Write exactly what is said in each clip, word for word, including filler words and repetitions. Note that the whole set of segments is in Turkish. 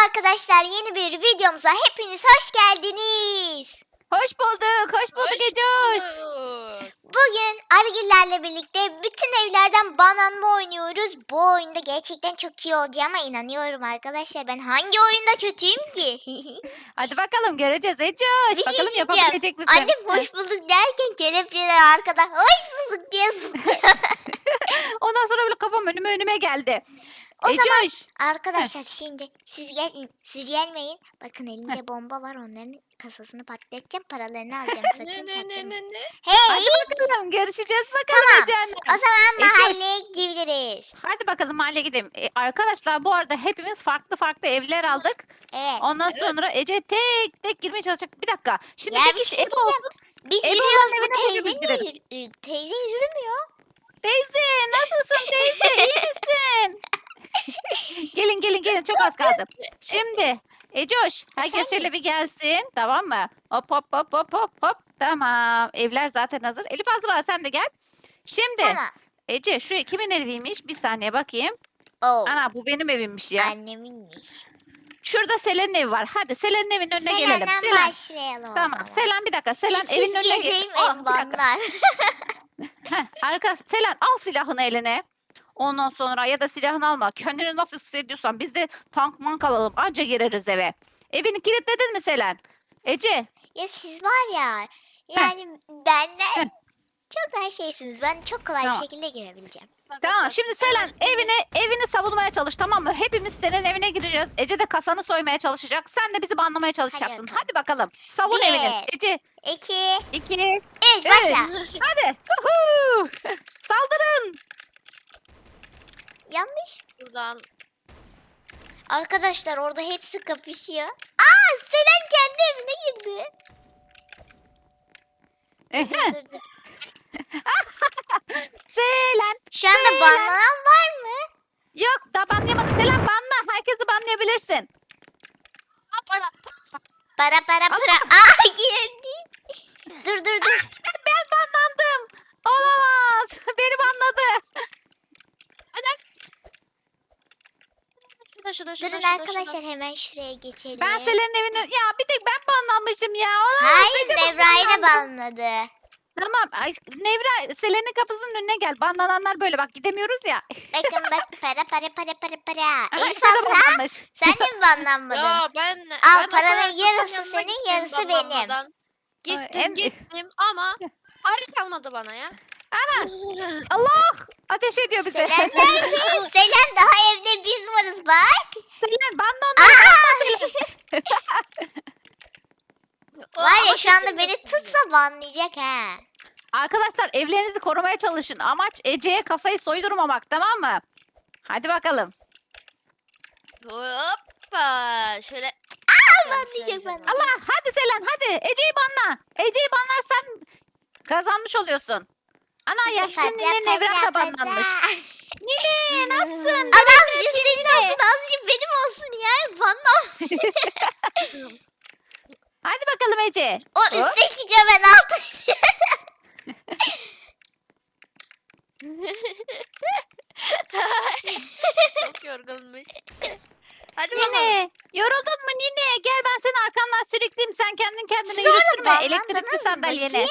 arkadaşlar, yeni bir videomuza hepiniz hoş geldiniz. Hoş bulduk, hoş bulduk Hoş Ecoş. bulduk. Bugün Argillerle birlikte bütün evlerden bananma oynuyoruz. Bu oyunda gerçekten çok iyi olacağıma inanıyorum arkadaşlar. Ben hangi oyunda kötüyüm ki? Hadi bakalım göreceğiz Ecoş. Bir şey Bakalım diyeceğim. yapabilecek misin? Annem hoş bulduk derken kelepçeler arkada hoş bulduk diye zıplıyor. Ondan sonra böyle kafam önüme önüme geldi. O zaman Ecoş. arkadaşlar şimdi siz gelin, siz gelmeyin. Bakın elimde bomba var, onların kasasını patlatacağım, paralarını alacağım, sakın Ne ne ne çaktırmayın. ne ne? Hey! Hadi bakalım görüşeceğiz bakalım Tamam. Ece'yle. O zaman Ece. mahalleye gidebiliriz. Hadi bakalım mahalleye gidelim. E, arkadaşlar bu arada hepimiz farklı farklı evler aldık. Evet. Ondan Evet. sonra Ece tek tek girmeye çalışacak. Bir dakika. Şimdi Ya tek bir iş şey ev olsun. diyeceğim. Biz Ev yürüyoruz, olan bu evine teyze hepimiz niye girelim. yürü- e, teyze yürümüyor? Teyze nasılsın teyze iyi misin? Gelin gelin gelin çok az kaldı. Şimdi Ecoş herkes Efendim? şöyle bir gelsin tamam mı? Hop hop hop hop hop hop tamam evler zaten hazır. Elif Azra sen de gel. Şimdi Tamam. Ece şu kimin eviymiş bir saniye bakayım. Oo. Ana bu benim evimmiş ya. Anneminmiş. Şurada Selen'in evi var. Hadi Selen'in evinin önüne gelelim. Selen'den Selen. başlayalım o Tamam zaman. Selen bir dakika. Selen Şu evinin önüne çizgiye gel. değmeyin Ah, bir dakika. banlar. Heh, arka Selen al silahını eline. Ondan sonra ya da silahını alma. Kendini nasıl hissediyorsan biz de tank mank alalım. Anca gireriz eve. Evini kilitledin mi Selen? Ece. Ya siz var ya, yani benden çok daha şeysiniz. Ben çok kolay Tamam. bir şekilde girebileceğim. Tamam şimdi Selen evini evini savunmaya çalış tamam mı? Hepimiz senin evine gireceğiz. Ece de kasanı soymaya çalışacak. Sen de bizi banlamaya çalışacaksın. bakalım. Hadi bakalım. Savun Bir. evini. Ece İki, iki üç, başla. hadi. Huhu! Saldırın. Yanlış. Buradan. Arkadaşlar orada hepsi kapışıyor. Aa, Selen kendi evine girdi. Ehe. Dur, dur. Selen. Şu anda banlanan var mı? Yok da banlayamadı. Selen banla. Herkesi banlayabilirsin. Ha, para. Para para para. Aa, girdi. Dur dur dur. Ben, ben banlandım. Olamaz. Beni banladı. Şurada şurada şurada. Durun şurada, arkadaşlar, hemen şuraya geçelim. Ben Selen'in evine... Ya bir tek ben banlanmışım ya. Olamaz. Hayır, Ece bak Nevra'yı da banlandı. banladı. Tamam. Ay, Nevra Selen'in kapısının önüne gel. Banlananlar böyle bak gidemiyoruz ya. Bakın bak, para para para para para. Aha, Elif işte de Azra, banlanmış. sen de mi banlanmadın? Ya ben Al, ben o paranın kadar yarısı kasanın yanına senin, gittim yarısı benim. banlanmadan. Gittim En- gittim ama para kalmadı bana ya. Ana. Allah. Ateş ediyor bize. Selen nerede? Selen, daha evde biz varız bak. Selen banla onları. Aa! O- Var ya, ama şu anda kesin beni yok. tutsa banlayacak ha. Arkadaşlar evlerinizi korumaya çalışın. Amaç Ece'ye kasayı soydurmamak tamam mı? Hadi bakalım. Hoppa. Şöyle. Aa, banlayacak bana. Allah hadi Selen hadi. Ece'yi banla. Ece'yi banlarsan kazanmış oluyorsun. Ana yaşlı Para, nine para, Nevra da para. banlanmış. Nine nasılsın? Ama azıcık senin olsun, azıcık benim olsun ya. Banla. Hadi bakalım Ece. O Hop. üstte çıkıyor, ben altta. Çok yorgunmuş. Hadi bakalım. Nine yoruldun mu Nine? Gel ben seni arkandan sürükleyeyim. Sen kendin kendine Siz orada yürütürme banlandınız elektrikli mı? sandalyeni. Bakayım.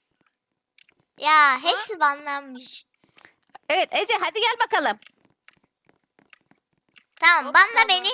Ya hepsi banlanmış. Evet Ece hadi gel bakalım. Tamam, Hop, banla tamam. beni.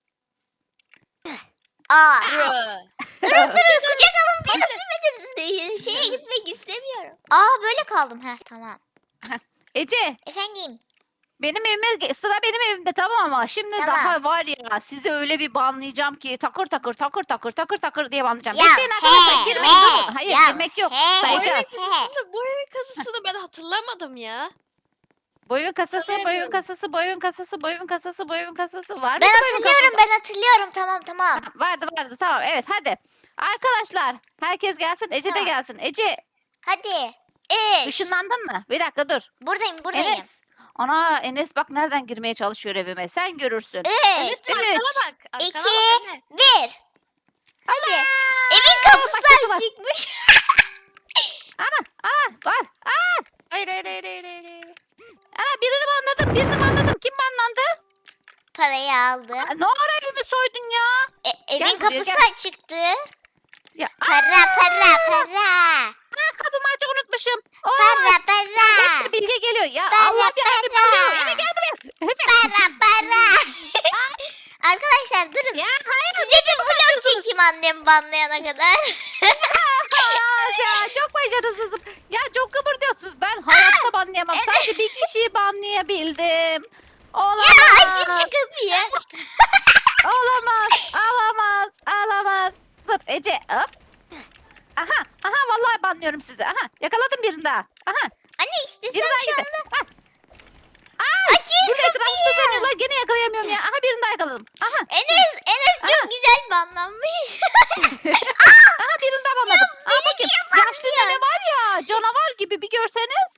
Aa. Bro. Durun durun, kucak alın beni, sürmediniz. Şeye gitmek istemiyorum. Aa, böyle kaldım. Heh, tamam. Ece Efendim. benim evime sıra benim evimde tamam ama şimdi Tamam. daha var ya sizi öyle bir banlayacağım ki takır takır takır takır takır takır diye banlayacağım. Ya, Bekleyin arkadaşlar he, girmeyin he, durun. Hayır ya, girmek yok. he, Sayacağız. he. Aslında bu evin kasasını ben hatırlamadım ya. Boyun kasası, boyun Hatırlayamıyorum. kasası, boyun kasası, boyun kasası, boyun kasası var mı? Ben hatırlıyorum, ben hatırlıyorum. Tamam tamam. Vardı vardı tamam evet hadi. Arkadaşlar herkes gelsin Ece de Tamam. gelsin. Ece Hadi. Üç. ışınlandın mı? Bir dakika dur. Buradayım buradayım. Enes. Ana Enes bak nereden girmeye çalışıyor evime. Sen görürsün. Enes Üç. arkana Üç, bak. Arkana iki, bak Enes. Bir. Hadi. Evin başladılar. kapısı çıkmış. Ana ana var. Aa, Hayır hayır hayır hayır hayır. hayır. ana birini banladım birini banladım. Kim banlandı? parayı aldı. Aa, ne ara evimi soydun ya? E, evin Gel buraya, kapısı gel. açıktı. Ya Para para para. aa, kapımı açık unutmuşum. Oo, Para para. hepsi Bilge geliyor. Ya Para, Allah bir evim para. alıyor. Eve gel buraya. Efe. Para para. Arkadaşlar durun. Ya hayır. Size bir vlog çekeyim annem banlayana kadar. Aa, ya çok başarısızım. Ya çok kıpırdıyorsunuz. Ben hayatta banlayamam. Sadece bir kişiyi banlayabildim. Olamaz. Ya açın şu kapıyı. Olamaz. Alamaz. Alamaz. Dur Ece. Hop. Aha. Aha vallahi banlıyorum sizi. Aha. Yakaladım birini daha. Aha. Anne istesem Biri daha şu gitti. anda. Ah. Ay, Açın burada etrafında kapıyı. dönüyorlar. Gene yakalayamıyorum ya. Aha birini daha yakaladım. Aha. Enes, Enes Aha. çok güzel banlanmış. Aha birini daha banladım. Aa, beni bakayım. niye Yaşlı nene var ya. Canavar gibi bir görseniz.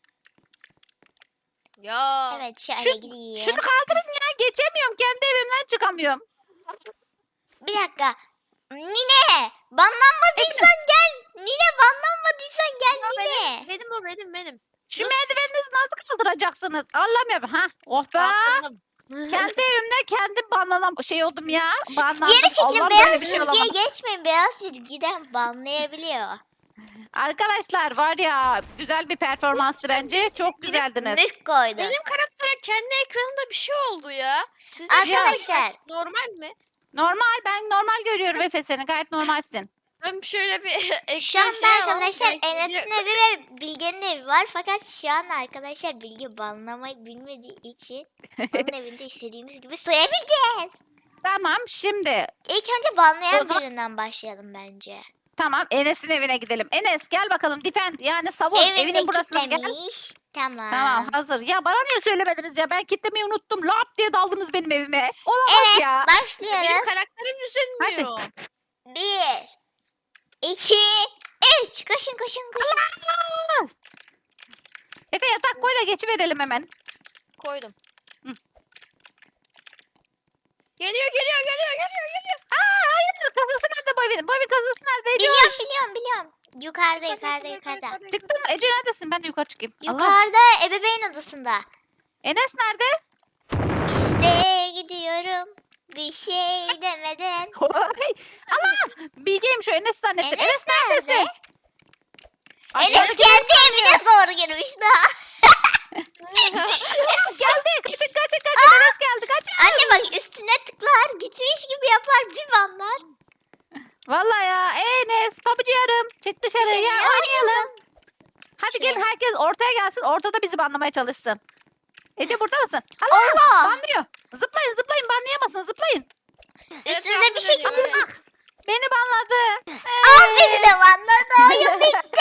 Ya. Evet şöyle Şu- gideyim. Şunu kaldırın ya. Geçemiyorum. Kendi evimden çıkamıyorum. Bir dakika. Nine banlanmadıysan gel. Nine banlanmadıysan gel Ya Nine. benim, benim o benim benim. Şu Nasıl? merdiveninizi nasıl kaldıracaksınız? Anlamıyorum. Ha, oh be. Kaldırdım. Kendi evimde kendim banlanan şey oldum ya. Banlandım. Geri çekilin, Allah'ım beyaz böyle bir şey çizgiye olamaz. geçmeyin. Beyaz çizgiden banlayabiliyor. Arkadaşlar var ya güzel bir performanstı bence. Çok güzeldiniz. Müh koydum. Benim karaktere kendi ekranımda bir şey oldu ya. Sizce Arkadaşlar. normal mi? Normal ben normal görüyorum Efe seni gayet normalsin. Ben şöyle bir ekran Şu anda şey alalım, arkadaşlar belki Enes'in bir- evi ve Bilge'nin evi var. Fakat şu an arkadaşlar Bilge banlamayı bilmediği için onun evinde istediğimiz gibi soyabileceğiz. Tamam şimdi İlk önce banlayan O zaman- birinden başlayalım bence. tamam Enes'in evine gidelim. Enes gel bakalım defend yani savun Evinde evinin burasına gel. kilitlemiş. Tamam. Tamam hazır. Ya bana niye söylemediniz ya? Ben kitlemeyi unuttum. Lap diye daldınız benim evime. Olamaz Evet ya. Benim başlıyoruz. karakterim üzülmüyor. Bir, iki, üç. Koşun koşun koşun. Allah! Efe yatak koy da geçiverelim hemen. Koydum. Hı. Geliyor geliyor geliyor geliyor geliyor. Aa hayır kasası nerede bu evin? Bu evin kasası nerede Ece? Biliyorum biliyorum biliyorum. Yukarıda yukarıda yukarıda. Çıktın mı? Ece neredesin? Ben de yukarı çıkayım. Allah. Yukarıda ebeveyn odasında. Enes nerede? İşte gidiyorum. Bir şey demeden. Oy! Allah! Bilgeyim şu Enes zannettim. Enes neredesin? nerede? Aşağıda Enes kendi evine zor girmiş daha. geldi. Kaçın kaçın kaçın. Enes geldi. Kaçın. Anne bak üstüne tıklar. Gitmiş gibi yapar bir banlar. Vallahi ya. Enes pabucu yarım. Çık dışarı Şey, ya. ya, Oynayalım. Hadi Şuraya. gelin herkes ortaya gelsin. Ortada bizi banlamaya çalışsın. Ece burada mısın? Allah! Allah! Banlıyor. Zıplayın zıplayın banlayamazsın zıplayın. Üstünüze bir şey Etrafında çıkmasın. dönüyor. Beni banladı. Aa beni de banladı. Oyun bitti.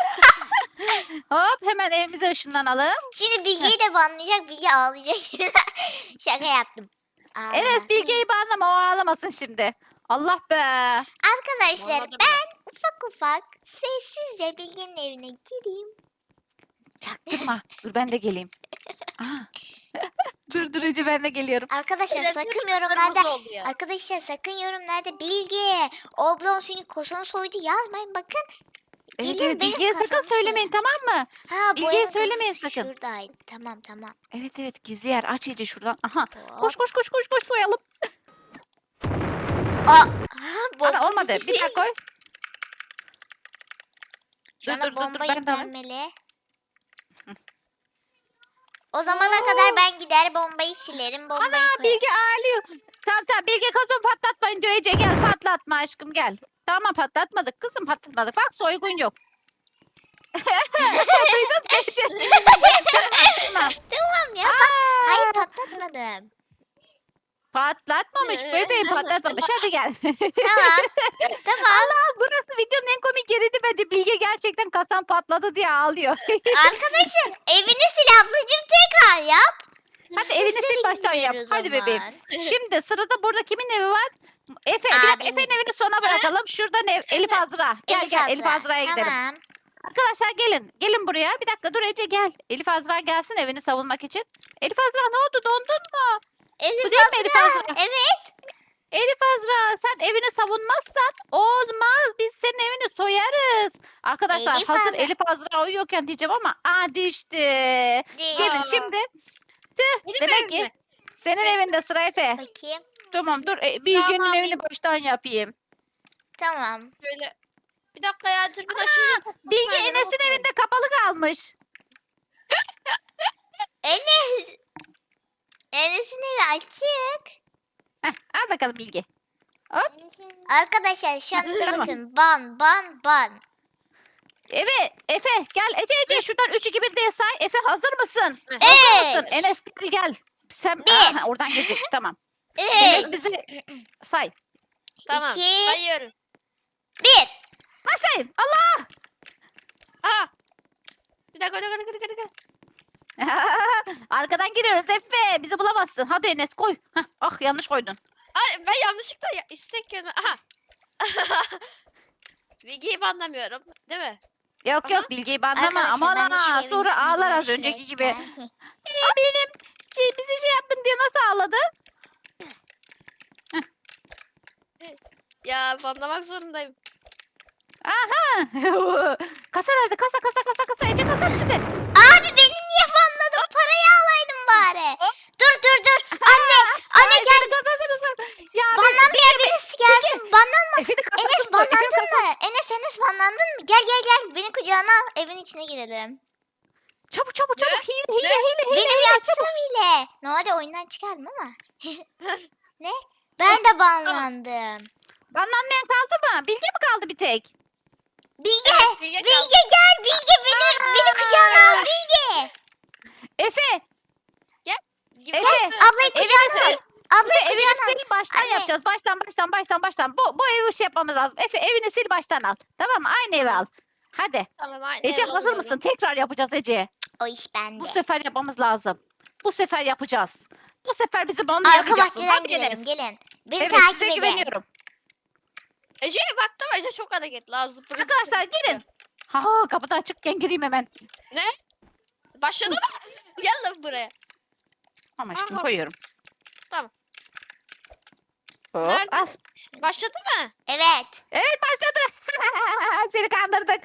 Hop hemen evimize ışınlanalım. Şimdi Bilge'yi de banlayacak. Bilge ağlayacak. Şaka yaptım. Ağlama. Enes Bilge'yi banlama o ağlamasın şimdi. Allah be. Arkadaşlar Banladım ben ufak ufak sessizce Bilge'nin evine gireyim. Çaktırma. Dur ben de geleyim. Aha. dur dur Ece ben de geliyorum. Arkadaşlar Biraz sakın hepsi yorumlarda kırmızı oldu ya. Arkadaşlar sakın yorumlarda Bilge Oblon seni kosan soydu yazmayın bakın. Evet, Gelir evet, benim Bilge'ye sakın kasamı söylemeyin tamam mı? Ha Bilge'ye boyanın söylemeyin kasası sakın. şuradaydı. Tamam tamam. Evet evet gizli yer aç Ece şuradan. Aha. Hop. Koş koş koş koş koş soyalım. Aa, ha, bomba Ana olmadı. gitti. Bir daha koy. Şu Dur anda dur dur, dur bomba ben de alayım. yüklenmeli. O zamana kadar ben gider bombayı silerim. Bombayı Ana koyarım. Bilge ağlıyor. Tamam tamam Bilge kazın patlatmayın diyor Ece gel patlatma aşkım gel. Tamam patlatmadık kızım patlatmadık. Bak soygun yok. Duydun mu Ece? Tamam. Tamam ya. Pat Hayır patlatmadım. Patlatmamış bebeğim patlatmamış hadi gel. Tamam. Tamam. Allah burası videonun en komik yeriydi bence. Bilge gerçekten kasan patladı diye ağlıyor. Arkadaşlar evini sil ablacığım tekrar yap. Hadi Sesleri evini sil baştan yap. gidiyor o Hadi bebeğim. zaman. Şimdi sırada burada kimin evi var? Efe. Bir dakika Abim. Efe'nin evini sona bırakalım. Şuradan ev, Elif Azra. Gel Elif gel Elif Azra. Azra'ya gidelim. Tamam. Arkadaşlar gelin. Gelin buraya. Bir dakika dur Ece gel. Elif Azra gelsin evini savunmak için. Elif Azra ne oldu? Dondun mu? Elif Bu değil mi Elif Azra. Azra? Evet. Elif Azra sen evini savunmazsan olmaz. Biz senin evini soyarız. Arkadaşlar Elif hazır Azra. Elif Azra uyuyorken diyeceğim ama aa düştü. Değil. Gelin Aa. şimdi. Tüh, Benim demek evim ki mi? Senin evinde sıra Efe. Bakayım. Tamam dur. E, Bilge'nin Tamam, evini baştan yapayım. Tamam. Böyle. Bir dakika ya dürbün açınca çok Bilge hoşuma gidiyor, Enes'in bakıyorum. evinde kapalı kalmış. Enes. Enes'in evi açık. Heh, al bakalım Bilge. Arkadaşlar şu anda Tamam. bakın. Ban ban ban. Evet Efe gel Ece Ece şuradan üç iki bir diye say. Efe hazır mısın? Evet. Hazır mısın? Üç. Enes gel gel. Sen Bir. Aha, oradan gelecek tamam. Enes Üç. bizi say. Tamam. İki. Sayıyorum. Bir. Başlayın. Allah. Aha. Bir dakika, bir dakika, bir dakika, bir dakika. Arkadan giriyoruz Efe. Bizi bulamazsın. Hadi Enes koy. Heh, ah yanlış koydun. Ay, ben yanlışlıkla ya, istek kelime. Aha. Bilgiyi banlamıyorum. Değil mi? Yok Aha. yok Bilge'yi banlama. Arkadaşlar Aman ben de şu ha evin sonra ismini ağlar biraz az şuraya önceki gibi. çıkarayım. Ee, benim şey, bizi şey yaptın diye nasıl ağladı? Ya banlamak zorundayım. Aha. Kasa nerede? Kasa kasa kasa kasa. Ece kasa nerede? Abi beni niye banladın? Parayı alaydım bari. Hop. Dur dur dur. Anne. Anne Ay, gel. senin kasasını sor. Ya bir- Banlanmayan birisi gelsin. Banlanma. Efe'nin kasasını Enes sor, banlandın Efe'nin kasası- mı? Enes Enes banlandın mı? Gel gel gel. Beni kucağına al. Evin içine girelim. Çabuk çabuk Ne? çabuk. Hile hile Ne? hile hile. Benim hile, yaptığım ile. Normalde oyundan çıkardım ama. Ne? Ben de banlandım. Banlanmayan kaldı mı? Bilge mi kaldı bir tek? Bilge. Evet, Bilge Bilge kaldı. gel. Bilge beni, beni kucağına al. Bilge. Efe. Gibi- Efe. Ablayı Evini kucağına al. sil. Ablayı Efe evini kucağına al. sil baştan Anne. yapacağız. Baştan baştan baştan baştan. Bu, bu evi şey yapmamız lazım. Efe evini sil baştan al. Tamam mı? Aynı evi al. Hadi. Tamam, aynen Ece öyle hazır oluyorum. mısın? Tekrar yapacağız Ece. O iş bende. Bu sefer yapmamız lazım. Bu sefer yapacağız. Bu sefer bizi Arka banlayamayacaksın. bahçeden Hadi girelim. Enes. Gelin. Beni Evet takip size edin. güveniyorum. Ece'ye baktım, Ece çok hareketli. Ağzı pırıl Arkadaşlar pırıl. gelin. Ha kapıda açıkken gireyim hemen. Ne? Başladı mı? Gel lan buraya. Ama aşkım Tamam. koyuyorum. Tamam. Hop, Nerede? al. Başladı mı? Evet. Evet başladı. Seni kandırdık.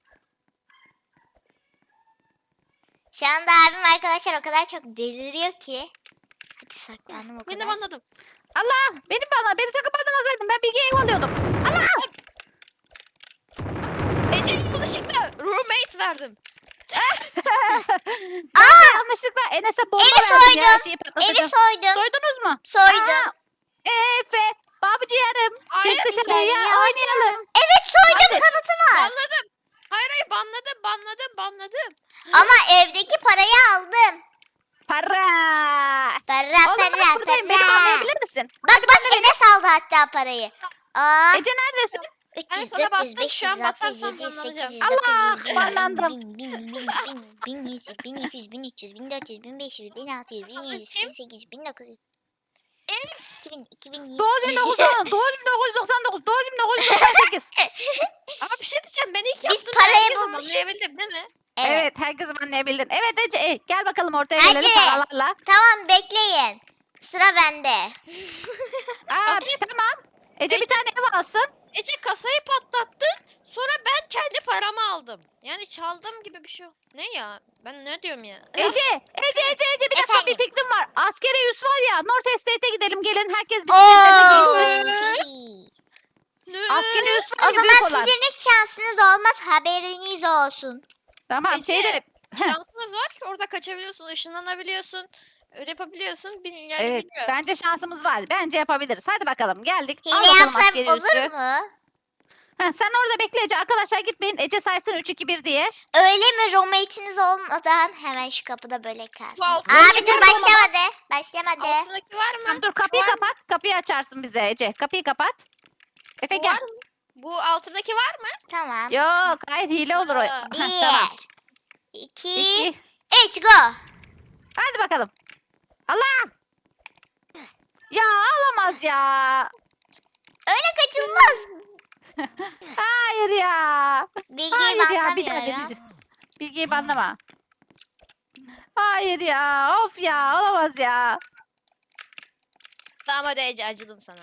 Şu anda abim arkadaşlar o kadar çok deliriyor ki. Hadi saklandım o Ben de kadar. anladım. Allah beni bana beni sakın banlamasaydın. Ben Bilge'yi ev alıyordum. Ece'ye yanlışlıkla roommate verdim. Aa! Yanlışlıkla Enes'e bomba Evi verdim ya. soydum. Şeyi Evi patlatacağım. soydum. Soydunuz mu? Soydum. Aa, Efe, babucu yarım. Hayır, Çık dışarıya dışarıya oynayalım. Evet soydum Hadi. kanıtı var. Banladım. Hayır hayır banladım banladım banladım. Ama evdeki parayı aldım. Para. Para Oğlum ben para buradayım. Beni para. anlayabilir misin? Bak bak Enes aldı hatta parayı. Aa. Ece neredesin? Ben üç yüz, sana dört yüz, bastım, beş şu yüz, an altı yüz, basarsam yedi yüz, sekiz banlanacağım. yüz, Allah, dokuz yüz, banlandım. bin, bin, bin, bin, bin yüz, bin iki yüz, bin üç yüz, bin dört yüz, bin beş yüz, bin altı yüz, bin yedi yüz, bin sekiz yüz, bin dokuz yüz. iki bin, iki bin yüz. Doğum bin dokuz yüz Doğum bin dokuz yüz doksan dokuz. Doğum bin dokuz yüz doksan sekiz. Ama bir şey diyeceğim ben ilk Biz yaptığımda parayı herkes bulmuşuz. anlayabildim değil mi? Evet. Evet herkesi anlayabildin. Evet Ece e, gel bakalım ortaya Hadi. gelelim paralarla. Tamam bekleyin. Sıra bende. Aa, tamam. Ece bir tane ev alsın. Ece kasayı patlattın sonra ben kendi paramı aldım. Yani çaldım gibi bir şey. Ne ya? Ben ne diyorum ya? Ece, Ece, Ece, Ece bir dakika Efendim? bir fikrim var. Askeri üs var ya North Estate'e gidelim gelin herkes bisikletlerine Oo. gelsin. Ne? Askeri üs var O ya zaman büyük olan. sizin hiç şansınız olmaz haberiniz olsun. Tamam Ece, şeyde. Heh, Şansımız var ki orada kaçabiliyorsun, ışınlanabiliyorsun. Öyle yapabiliyorsun. Bil- Yani evet bilmiyorum. bence şansımız var. Bence yapabiliriz. Hadi bakalım geldik. Al Hile bakalım yapsam askeri üssü. olur mu? Ha, sen orada bekle Ece. Arkadaşlar gitmeyin. Ece saysın üç iki bir diye. Öyle mi roommate'iniz olmadan hemen şu kapıda böyle kalsın. Bu altı- Abi dur Altındaki başlamadı. Başlamadı. Altındaki var mı? Tamam dur kapıyı Var mı? kapat. Kapıyı açarsın bize Ece. Kapıyı kapat. Efe Bu gel. var mı? Bu altındaki var mı? Tamam. Yok hayır hile olur o. Aa, Bir, Heh, tamam. iki, İki. üç go. Hadi bakalım. Allah. Ya alamaz ya. Öyle kaçılmaz. Hayır ya. Bilgiyi Hayır ya bir daha banlamıyorum. deneyeceğim. Bilgiyi banlama. Hayır ya. Of ya olamaz ya. Tamam hadi Ece acıdım sana.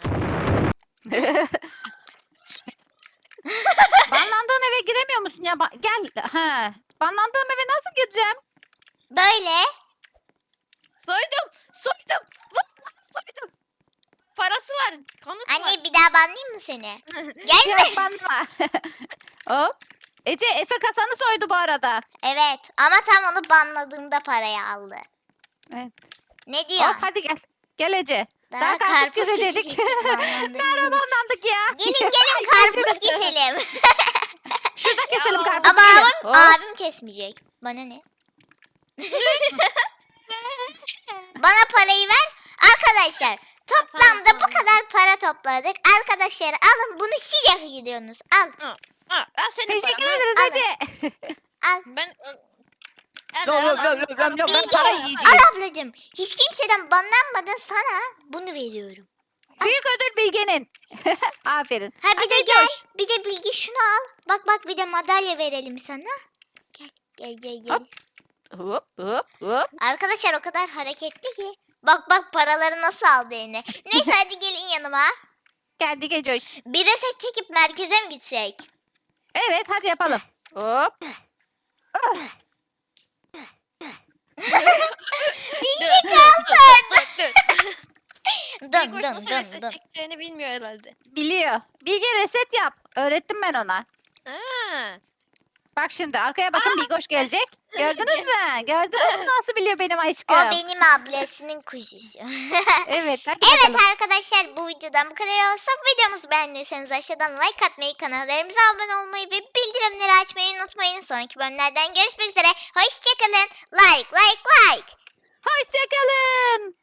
Banlandığın eve giremiyor musun ya? Ba- gel. Ha. Banlandığım eve nasıl gireceğim? Böyle. Soydum. Soydum. Vur. soydum. Parası var. Kanıt var. Anne bir daha banlayayım mı seni? Gelme. Yok banma. Hop. Ece Efe kasanı soydu bu arada. Evet ama tam onu banladığımda parayı aldı. Evet. Ne diyor? Hop hadi gel. Gel Ece. Daha, Daha karpuz karpuz kesecektik. kesecektik banlandığında. Nerede banlandık ya? Gelin gelin karpuz keselim. Şurada Ya keselim Allah. karpuz. Ama gelin. abim, Hop. abim kesmeyecek. Bana ne? Bana parayı ver. Arkadaşlar toplamda bu kadar para topladık. Arkadaşlar alın bunu siz hak ediyorsunuz. Al Ha, al senin Teşekkür paran. ederiz Alın. Ece. al. Ben Yok, yok, yok, yok, yok, yok, ben Bilge, para yiyeceğim. al ablacığım. Hiç kimseden banlanmadın sana bunu veriyorum. Büyük ödül Bilge'nin. Aferin. Ha bir Hadi de gel. Coş. Bir de Bilgi şunu al. Bak bak bir de madalya verelim sana. Gel gel gel gel. Hop. Hop hop hop. Arkadaşlar o kadar hareketli ki. Bak bak paraları nasıl aldı eline. Neyse hadi gelin yanıma. Geldi Gecoş. Bir reset çekip merkeze mi gitsek? Evet hadi yapalım. Hop. Ah, Bilgi Dur, dur, Dın Bilgoş dın nasıl dın reset dın. çekeceğini bilmiyor herhalde. biliyor. Bilge reset yap. Öğrettim ben ona. Ha. Bak şimdi arkaya bakın Bilgoş gelecek. Gördünüz mü? Gördünüz mü nasıl biliyor benim aşkım? O benim ablasının kuzusu. Evet hadi Evet bakalım. arkadaşlar bu videodan bu kadar olsa videomuzu beğendiyseniz aşağıdan like atmayı, kanallarımıza abone olmayı ve bildirimleri açmayı unutmayın. Sonraki bölümlerden görüşmek üzere. Hoşçakalın. Like like like. Hoşçakalın.